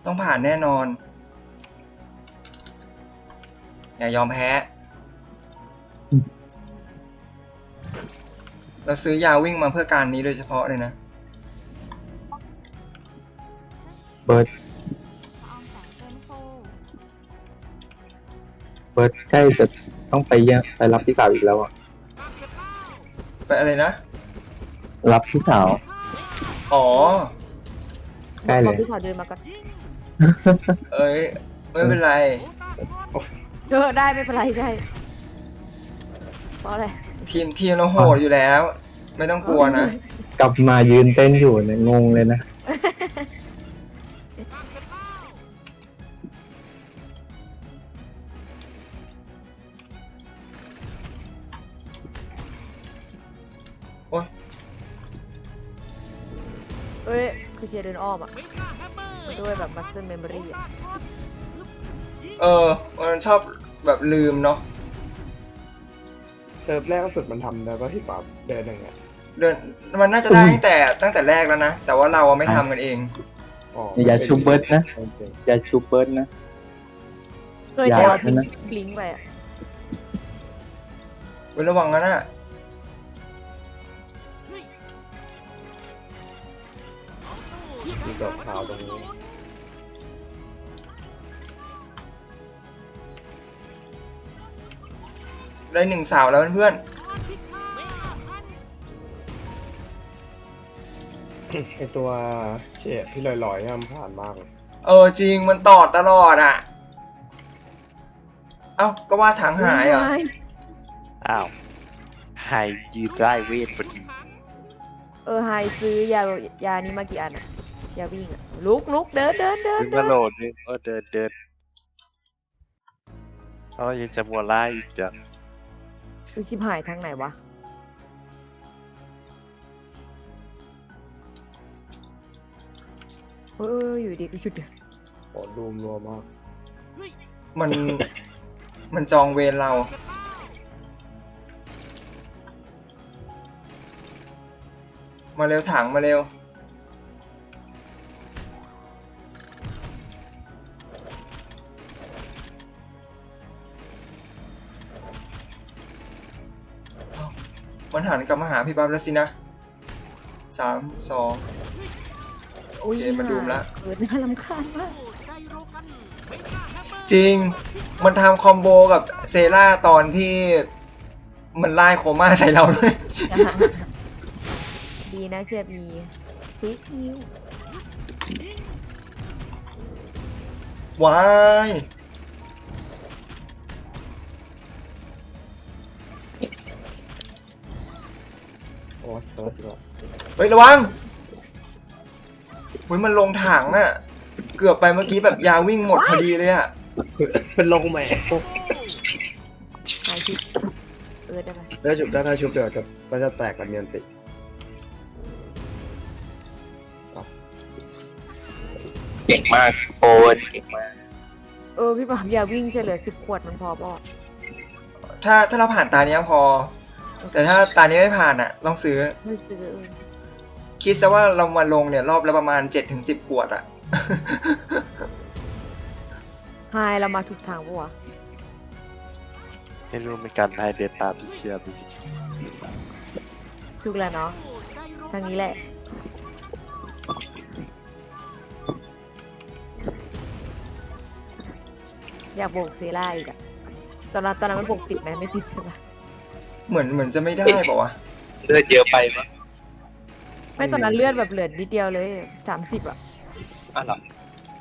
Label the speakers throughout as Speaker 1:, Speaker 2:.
Speaker 1: ต้องผ่านแน่นอนอย่ายอมแพ้เราซื้อยาวิ่งมาเพื่อการนี้โดยเฉพาะเลยนะ
Speaker 2: เบิร์ดใกล้จะต้องไปเยี่ยมไปรับพี่สาวอีกแล้วอ่ะ
Speaker 1: ไปอะไรนะ
Speaker 2: รับพี่สาว
Speaker 1: อ๋อ
Speaker 2: ใกล้เลย
Speaker 3: พี่สาวเดินมาก่อน
Speaker 1: เอ้ยไม่เป็นไร
Speaker 3: ได้ไม่เป็นไรใช่เพราะอะไร
Speaker 1: ทีมเราโหดอยู่แล้ว ไม่ต้องกลัวนะ
Speaker 2: กลับมายืนเต้นอยู่เนี่ยงงเลยนะ
Speaker 1: โอ้ย
Speaker 3: เอ้ยคือเชียร์เดินอ้อมอ่ะด้วยแบบมัสเซิลเมมโมรี่อ่ะ
Speaker 1: มันชอบแบบลืมเนาะ
Speaker 4: เซิร์ฟแรกสุดมันทำได้ป่ะที่แบบเดินอย่างเงี้ย
Speaker 1: เดินมันน่าจะได้ตั้งแต่แรกแล้วนะแต่ว่าเราไม่ทำกันเอง
Speaker 2: อย่าชูเบิร์ดนะอย่าชูเบิร์ดนะ
Speaker 3: เคยเจอทิ้งบลิงไปอ่ะ
Speaker 1: ระวังนะน่ะ
Speaker 4: สีดอกขาวตรงนี้
Speaker 1: ได้1 สาวแล้วเพื่อน
Speaker 4: ไอตัวเชี่ยที่ลอยๆเนี่ยมันผ่านมากเลย
Speaker 1: จริงมันตอดตลอดอ่ะเอ้าก็ว่าถังหายอ่ะ
Speaker 5: อ้าวไฮยืนได้เวทพอดี
Speaker 3: ไฮซื้อยานี้มากี่อันอ่ะยาวิ่งอ่ะลุกเดิน
Speaker 5: ถึงกระโดดนึงเดินยังจะมัวไล่อีกจ้ะ
Speaker 3: ชิบหายทางไหนวะอยู่ดีก็หยุดเดิน
Speaker 4: โอ้ดูมรัวมาก
Speaker 1: มันจองเวรเรามาเร็วถังมาเร็วมันหันกลับมาหาพี่ปั๊บแล้วสินะ3 2โอเคมาดูมละ
Speaker 3: น่ารำคาญมาก
Speaker 1: จริงมันทำคอมโบกับเซราตอนที่มันไล่โคม่าใส่เราเลย
Speaker 3: ดีนะเชียร์มีพิกนิว
Speaker 1: ว้าย
Speaker 4: โอ้ยตัวสิละ
Speaker 1: เฮ้ยระวังเฮ้ยมันลงถังอ่ะเกือบไปเมื่อกี้แบบยาวิ่งหมดพอดีเลยอ่ะ
Speaker 4: เป็นลงแหม่
Speaker 3: หายพิกได้ไหม
Speaker 4: ได้ชุบได้ถ้าชุบเดี๋ยวจะแตกกันเนียนติ
Speaker 2: เก่งมากโอ้ยเก่งมาก
Speaker 3: พี่ปั๊มยาวิ่งเฉลี่ย10 ขวดมันพอป่ะ
Speaker 1: ถ้าเราผ่านตาเนี้ยพอแต่ถ้าตานี้ไม่ผ่านอ่ะต้องซื้อคิดซะว่าเรามาลงเนี่ยรอบละประมาณ 7-10 ขวดอ่ะ
Speaker 3: ไฮเรามาถูกทางปะวะ
Speaker 5: ให้รู้เป็นการไฮเดตาพิเชียร์
Speaker 3: ถูกแล้วเนาะทางนี้แหละอยากโบกเซร่าอีกอะตอนนั้นมันโบกติดไหมไม่ติดใช่ปะ
Speaker 1: เหมือนจะไม่ได้ป่าวะ
Speaker 2: เลือดเยอะไปมั้ย
Speaker 3: ไม่ตอนนั้นเลือดแบบเหลือนิดเดียวเลย30อะ
Speaker 2: หรอ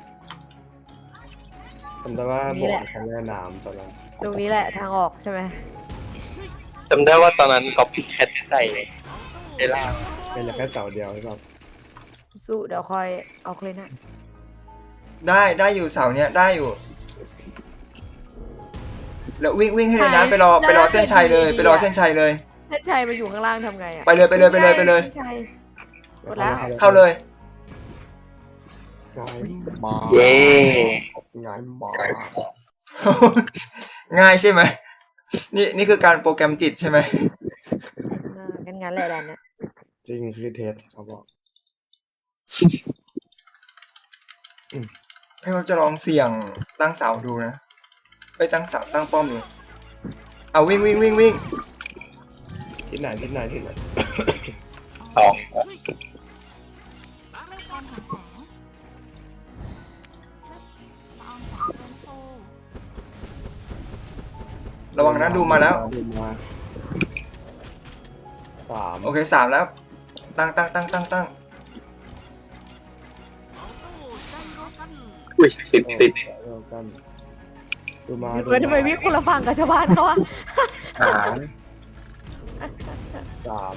Speaker 4: จำได้ว่าบอกทางแม่น้ำตอนนั้น
Speaker 3: ตรงนี้แหละทางออกใช่ไหม
Speaker 2: จำได้ว่าตอนนั้นก๊อปปี้แคทใส่เลยเอล่า
Speaker 4: เป็นแค่เสาเดียวใช่ป่ะ
Speaker 3: สู้เดี๋ยวคอยเอาเลยนะ
Speaker 1: ได้อยู่เสาเนี้ยได้อยู่แล้ววิ่งให้เลยนะไปรอเส้นชัยเลยไปรอเส้นชัยเลย
Speaker 3: เส้นชัยมาอยู่ข้างล่างทำไงอะ
Speaker 1: ไปเลย
Speaker 3: หมดแล้ว
Speaker 1: เข้าเลย
Speaker 2: เย้
Speaker 4: ง่ายมาก
Speaker 1: ง่ายใช่ไหมนี่คือการโปรแกรมจิตใช่ไหม
Speaker 3: งั้นแหละดันเนี่ย
Speaker 4: จริงคือเทสเขาบอก
Speaker 1: ให้เขาจะลองเสี่ยงตั้งเสาดูนะไปตั้งเสาตั้งป้อมดูเอาวิ่งวิ่งวิ่งวิ่ง
Speaker 4: ที่ไหนที่ไหนที่ไหน
Speaker 2: สอง
Speaker 1: ระวังนะดูมาแล้ว
Speaker 4: ดูมาสาม
Speaker 1: โอเค3แล้วตั้ง
Speaker 2: อุ้ยติด
Speaker 4: เดียวกันดูมา
Speaker 3: เฮ้ยทำไมวิ่งคนละฝั่งกับชาวบ้านเขาอะ
Speaker 2: หา
Speaker 4: สาม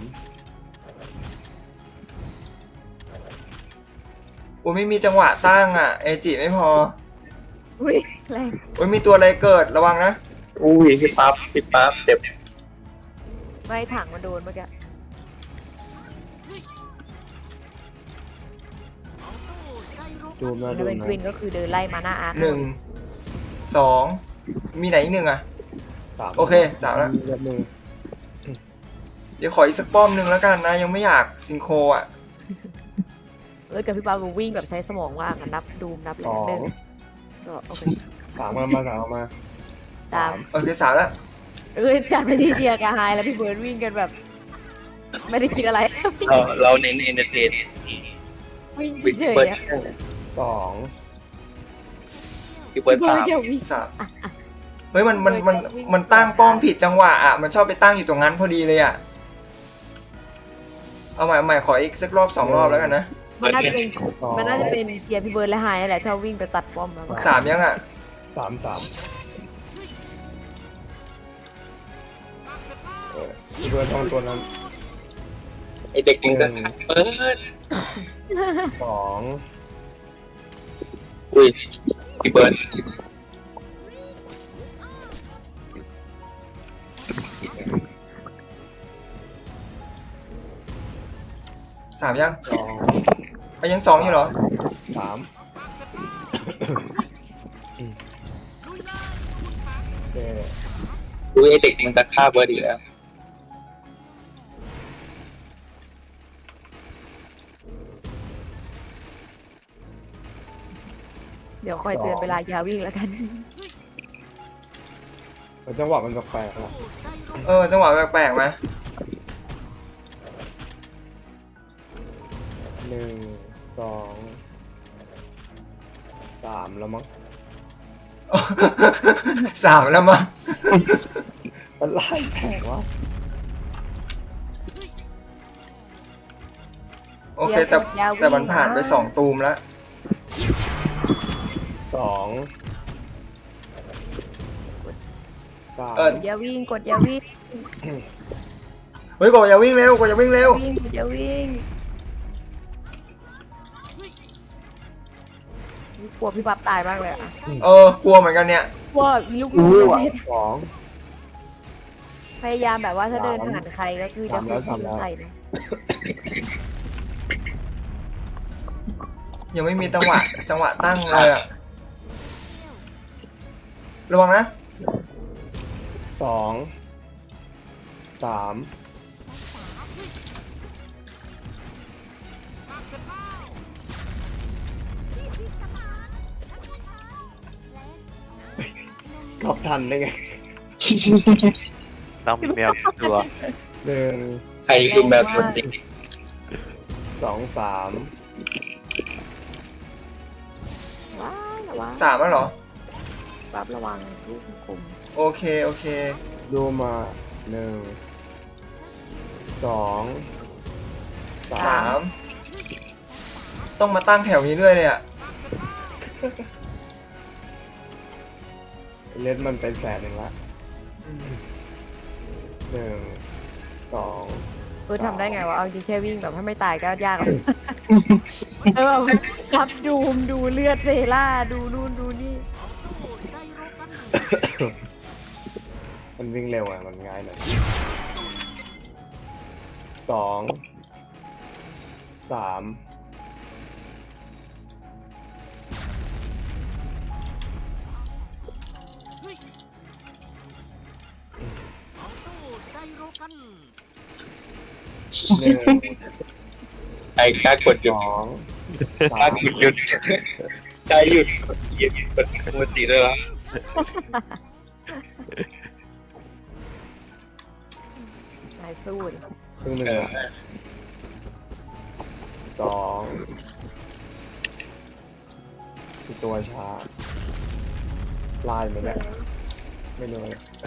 Speaker 1: อุ้ยไม่มีจังหวะตั้งอ่ะเอจิไม่พอ
Speaker 3: อุ้ยแรง
Speaker 1: อุ้ยมีตัวอะไรเกิดระวังนะ
Speaker 2: อุ้ยพี่ปั๊บเจ็บ
Speaker 3: ไม่ถังมันโดนเมื่อกี้
Speaker 4: ดูมา
Speaker 3: ถ้า
Speaker 4: ดู
Speaker 3: เป็น
Speaker 4: มา
Speaker 3: ควินก็คือเดินไล่มาหน้าอาร์ค
Speaker 1: 1 2มีไหนอีกหนึ่งอ่ะ
Speaker 4: สาม
Speaker 1: โอเค3แล้ว
Speaker 4: มีแบบหนึ่ง
Speaker 1: เดี๋ยวขออีกสักป้อมหนึ่งแล้วกันนะยังไม่อยากซิงโครอ่ะ
Speaker 3: กับพี่ปาบูวิ่งแบบใช้สมองว่างอะนับดูมนับเล
Speaker 4: ส
Speaker 3: ย
Speaker 4: อง
Speaker 3: หนึ่งก็โอเค
Speaker 4: สามมาสามมา
Speaker 3: สาม
Speaker 1: โอเค3แล้ว
Speaker 3: จัดไปที่เดียกับไฮแล้วพี่เบิร์ดวิ่งกันแบบ ไม่ได้คิดอะไร
Speaker 2: เราเน้นเอนเตอร์เทน
Speaker 3: วิ่ง
Speaker 2: วิ่ง
Speaker 3: เฉย
Speaker 2: เบิร์ด
Speaker 3: ๆอะ
Speaker 4: สอง
Speaker 2: พี่เบิร์ด
Speaker 3: พี่เบิร์
Speaker 2: ตา
Speaker 3: ด
Speaker 2: ม
Speaker 3: แค่วิ่ง
Speaker 1: 3เฮ้ยมันตั้งป้อมผิดจังหวะอ่ะมันชอบไปตั้งอยู่ตรงนั้นพอดีเลยอ่ะเอาใหม่ขออีกสักรอบ2 รอบแล้วกันนะ
Speaker 3: มันน่าจะเป็น
Speaker 4: สอง
Speaker 3: มันน่าจะเป็นเชียร์พี่เบิร์ดและไฮนั่นแหละชอบวิ่งไปตัดป้อมมากกว่า
Speaker 1: 3ยังอ่ะ
Speaker 4: สามที่เบิร์ดทองตัวนั้น
Speaker 2: ไอเด็กมึงก็เปิด
Speaker 4: สอง
Speaker 2: อุ้ยพี่เบิร์ด
Speaker 1: 3ยัง
Speaker 4: สอง
Speaker 1: ยัง2อยู่เหรอ
Speaker 4: สามโอเค
Speaker 2: อุ้ยไอเด็กมันจะฆ่าเบิร์ดอีกแล้ว
Speaker 3: เดี๋ยวคอยเตือนเวลายาวิ่งแล้วกัน
Speaker 4: จังหวะมันแปลกๆละ
Speaker 1: จังหวะแปลกๆไหม
Speaker 4: หนึ่งสองสามแล้วมั้ง
Speaker 1: 3แล้วมั้ง
Speaker 4: มันไล่แปลกวะ
Speaker 1: โอเคแต่มันผ่านไป2 ตูมแล้ว
Speaker 4: สองสาม
Speaker 3: กดยาวิ่งกดยาวิ่ง
Speaker 1: เฮ้ยกดอย่าวิ่งเร็วกดอย่าวิ่งเร็ว
Speaker 3: วิ่งกดยาวิ่งกลัวพี่ปั๊บตายมากเลยอะ
Speaker 1: กลัวเหมือนกันเนี่ย
Speaker 3: กลัวอีลูก
Speaker 4: สอง
Speaker 3: พยายามแบบว่าถ้าเดินผ่านใครก็คือจะคุย
Speaker 4: ทำแล้ว
Speaker 3: ใส่นะ
Speaker 1: ยังไม่มีจังหวะตั้งเลยอะระวังนะ
Speaker 4: สองสามกลับทันได้ไง
Speaker 5: ต้องมีแมวอยู่ตัว
Speaker 4: หนึ่ง
Speaker 2: ใครคือแมวตัวจริง
Speaker 4: สองสาม
Speaker 3: ว้ายระวัง
Speaker 1: 3แล้วเหรอ
Speaker 3: ปั๊บระวังลูกคุม
Speaker 1: โอเค
Speaker 4: ดูมาหนึ่งสองสาม
Speaker 1: 3ต้องมาตั้งแถวนี้ด้วยเลยอะ
Speaker 4: เล่นมันเป็น100,000ละหนึ่งสอง
Speaker 3: ทำได้ไงวะเอาจริงแค่วิ่งแบบถ้าไม่ตายก็ยากแล้วแบบรับดูมดูเลือดเซล่าดูนู่นดูนี่
Speaker 4: มันวิ่งเร็วอ่ะมันง่ายหน่อยสองสามหนึ่ง
Speaker 2: ใครกล้ากดหยุ
Speaker 4: ส
Speaker 2: ด
Speaker 4: อง
Speaker 2: กล้า
Speaker 4: สาม
Speaker 2: กดหยุดใจหยุดหยุดกดโมจิด้วยละ
Speaker 3: นายสู้ดิ
Speaker 4: ครึ่งหนึ่งอะสองคือตัวช้าลายเหมือนเนี่ยไม่รู้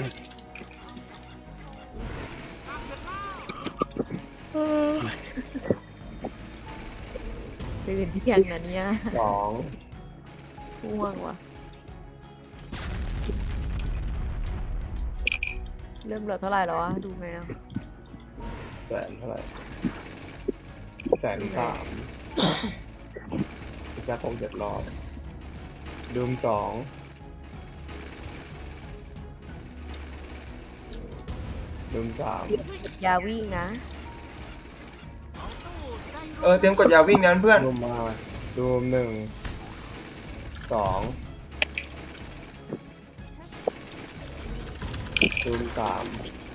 Speaker 3: ตื่นเที่ยงนะเนี่ย
Speaker 4: สอง
Speaker 3: ง่วงว่ะเริ่มเหลือเท่าไหร่แล้ววะดูไหมอ่ะ
Speaker 4: แสนเท่าไหร่130,000อีกสัก6-7 รอบดูมสองดูมสาม
Speaker 3: อย่าวิ่งนะ
Speaker 1: เตรียมกดยาวิ่งนะเพื่อน
Speaker 4: ดูมมาดูม1 2ดูม3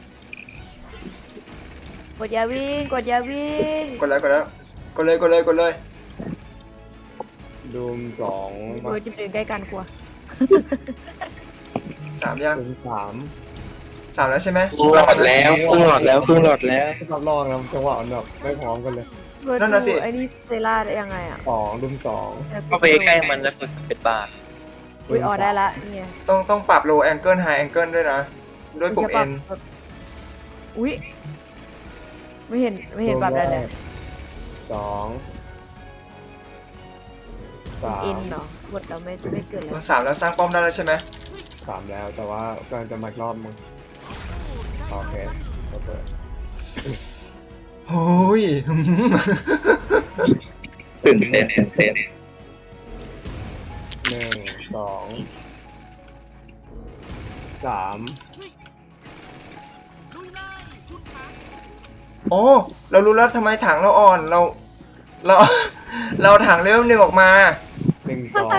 Speaker 3: กดอย่าวิ่งกดอย่าวิ่ง
Speaker 1: กดแล้วกดแล้วกดเลยกดเลยกดเลย
Speaker 4: ดูม2
Speaker 3: โดยจะเดินใกล้กันกลัว
Speaker 1: 3ยัง
Speaker 4: ดูม3
Speaker 1: 3แล้วใช่ไหม
Speaker 2: ครึ่งหลอดแล้วครึ่งหลอดแล้วครึ่งหลอดแล้ว
Speaker 4: รับรองนะจังหวะมันแบบไม่พร้อมกันเลย
Speaker 1: นั่นน่ะสิ
Speaker 3: ไอ้นี่เซล่าได้ยังไงอ่ะ
Speaker 4: 2ดูม2
Speaker 2: เข้าไปใกล้มันแล้วกดสเปซบาร์
Speaker 3: อุ้ยออได้ละเนี่ย
Speaker 1: ต้องปรับ low angle high angle ด้วยนะ ด้วยปุ่ม N
Speaker 3: อุ้ยไม่เห็นปรับได้เลย
Speaker 4: 2
Speaker 3: เอ็นเหรอกดเราไม่เกิดเลย
Speaker 1: 3แล้วสร้างป้อมได้แล้วใช่ไหม
Speaker 4: 3แล้วแต่ว่ากำลังจะมาอีกรอบมึงโอเคโอเค
Speaker 1: โอ้ย
Speaker 2: ตื่นเต้นตื่นเต้น
Speaker 4: 1 2 3
Speaker 1: โอ้เรารู้แล้วทำไมถังเราอ่อนเรา เราถังเลเวล 1ออกมา
Speaker 4: 1 2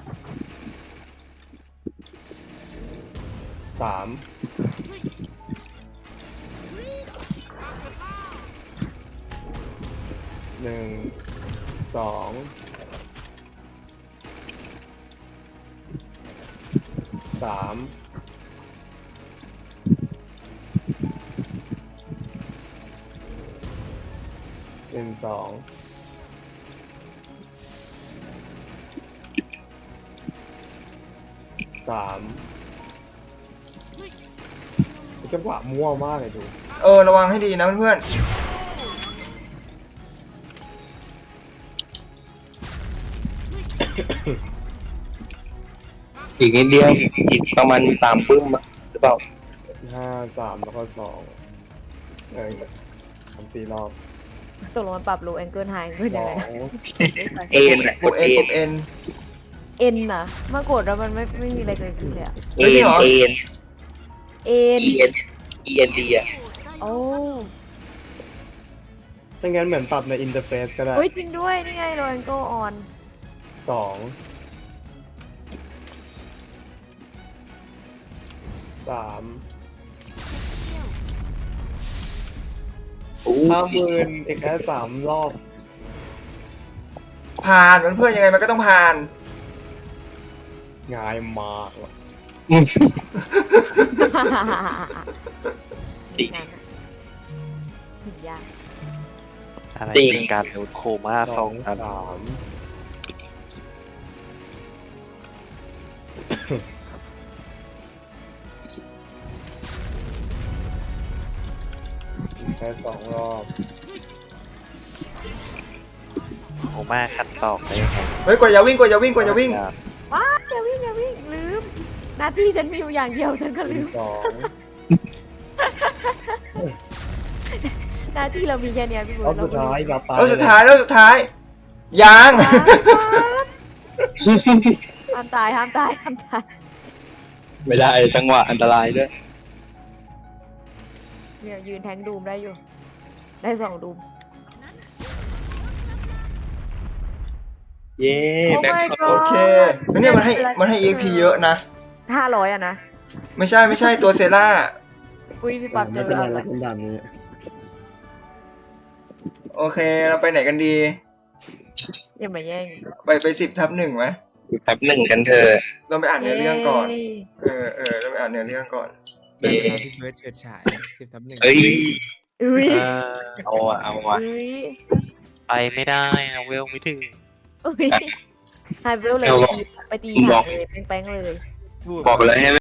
Speaker 4: 3 1 2 3 1 2 3จังหวะมั่วมากเลยดู
Speaker 1: ระวังให้ดีนะเพื่อน
Speaker 2: อีกนิดเดียวอีกประมาณ3 ปึ้มอะหรือเปล่า
Speaker 4: 5 3 แล้วก็23-4 รอบ
Speaker 3: ตกลงมันปรับโลแองเกิลไฮขึ้นยังไงนะ
Speaker 2: เอ็น
Speaker 1: ๆปุ่ม N ปุ่ม N
Speaker 3: เอ็นนะเมื่อกดแล้วมันไม่มีอะไรเกิดขึ้นเลยอะ
Speaker 1: ไม่ใช่เหรอ
Speaker 2: เอ็น
Speaker 3: เอ็น
Speaker 2: ENดีอะ
Speaker 3: โอ้
Speaker 4: ถ้างั้นเหมือนปรับในอินเทอร์เฟซก็ได้
Speaker 3: เฮ้ยจริงด้วยนี่ไงโลแองเกิลออน
Speaker 4: 2 3 50,000อีกแค่3 รอบ
Speaker 1: ผ่านเพื่อนๆยังไงมันก็ต้องผ่าน
Speaker 4: ง่ายมากว่ะ
Speaker 2: จริง
Speaker 3: ถึงยาก
Speaker 5: อะไร
Speaker 2: จริง
Speaker 5: เป็นการโดนโคม่า
Speaker 4: 2
Speaker 5: สองอัน
Speaker 4: 3แค่2 รอบ
Speaker 5: โคม่าคัดตอกได้ยังไง
Speaker 1: เฮ้ยกดอย่าวิ่งกดอย่าวิ่งกดอย่าวิ่ง
Speaker 3: ว้าอย่าวิ่งลืมหน้าที่ฉันมีอยู่อย่างเดียวฉันก็ลืม
Speaker 4: 2
Speaker 3: หน้าที่เรามีแค่เนี้ยพี่บุ
Speaker 4: รอบ
Speaker 3: ญ
Speaker 4: สุดท้ายอย่าตาย
Speaker 1: แล้วสุดท้ายยัง
Speaker 3: ห้ามตาย
Speaker 2: ไม่ได้จังหวะอันตรายด้วย
Speaker 3: เนี่ยยืนแทงดูมได้อยู่ ได้2 ดูม
Speaker 2: เย้แบ็ค
Speaker 3: Oh my god
Speaker 1: โอเคแล้วเนี่ยมันให้ EXP เยอะนะ
Speaker 3: 500อะนะ
Speaker 1: ไม่ใช่ตัวเซล่า
Speaker 3: อุ้ยพี่ปั๊บเจ
Speaker 4: ไม่
Speaker 3: อ
Speaker 4: เป็นไร
Speaker 3: แล้ว
Speaker 4: เราเป็นด่านนี้
Speaker 1: โอเคเราไปไหนกันดี
Speaker 3: อย่ามาแย่ง
Speaker 1: ไป10/1ไหม
Speaker 2: แป๊บหนึ่งกันเถอะ
Speaker 1: เราไปอ่านเนื้อเรื่องก่อน เราไปอ่านเนื้อเรื่องก่อน
Speaker 2: เอ๊ะ
Speaker 6: พี่เบิร์ดเฉิดฉาย10/1
Speaker 2: เอ้ย
Speaker 3: อุ้ย
Speaker 2: เอาอะเอาอะ
Speaker 3: อุ้ย
Speaker 5: ไปไม่ได้นะเวลไม่ถึง
Speaker 3: อุ้ยไฮเวลเลยไปตีหางเลยแป้งๆเลย
Speaker 2: บอกเลยให้